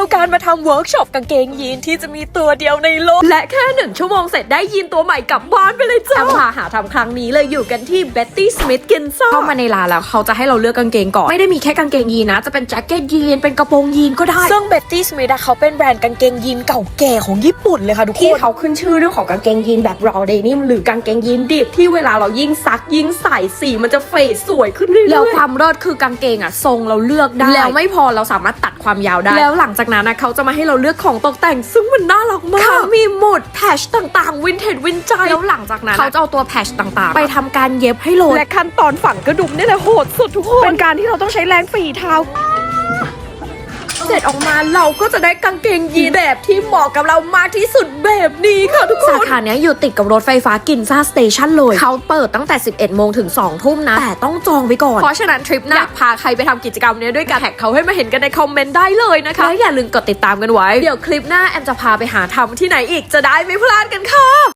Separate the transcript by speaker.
Speaker 1: การมาทำเวิร์กช็อปกางเกงยีนที่จะมีตัวเดียวในโลกและแค่1 ชั่วโมงเสร็จได้ยีนตัวใหม่กลับบ้านไปเลยจ้าพาหาทำครั้งนี้เลยอยู่กันที่ Betty Smith Ginza เข้ามาในร้านแล้วเขาจะให้เราเลือกกางเกงก่อนไม่ได้มีแค่กางเกงยีนนะจะเป็นแจ็คเก็ตยีนเป็นกระโปรงยีนก็ได้ซึ่ง Betty Smith เขาเป็นแบรนด์กางเกงยีนเก่าแก่ของญี่ปุ่นเลยค่ะทุกคนที่เขาขึ้นชื่อเรื่องของกางเกงยีนแบบ raw denim หรือกางเกงยีนดิบที่เวลาเรายิ่งซักยิ่งใส่สีมันจะเฟดสวยขึ้นเรื่อยๆแล้วความเลิศคือกางเกงทรงเราเลือกได้แล้วไม่พอเราสามารถตัดความยาวได้แล้วหลังจากนั้นเขาจะมาให้เราเลือกของตกแต่งซึ่งมันน่ารักมากเขามีหมุดแพชต่างๆวินเทจวินใจแล้วหลังจากนั้นเขาจะเอาตัวแพชต่างๆไปทำการเย็บให้โลและขั้นตอนฝังกระดุมนี่แหละโหดสุดทุกคนเป็นการที่เราต้องใช้แรงฝีเท้าเสร็จออกมาเราก็จะได้กางเกงยีนแบบที่เหมาะกับเรามากที่สุดแบบนี้ค่ะทุกคนสาขาเนี้ยอยู่ติดกับรถไฟฟ้ากินซ่าสเตชันเลยเขาเปิดตั้งแต่ 11 โมงถึง 2 ทุ่มนะแต่ต้องจองไว้ก่อนเพราะฉะนั้นทริปหน้าพาใครไปทำกิจกรรมเนี้ยด้วยกันแท็กเขาให้มาเห็นกันในคอมเมนต์ได้เลยนะคะแล้วอย่าลืมกดติดตามกันไว้เดี๋ยวคลิปหน้าแอมจะพาไปหาทำที่ไหนอีกจะได้ไม่พลาดกันค่ะ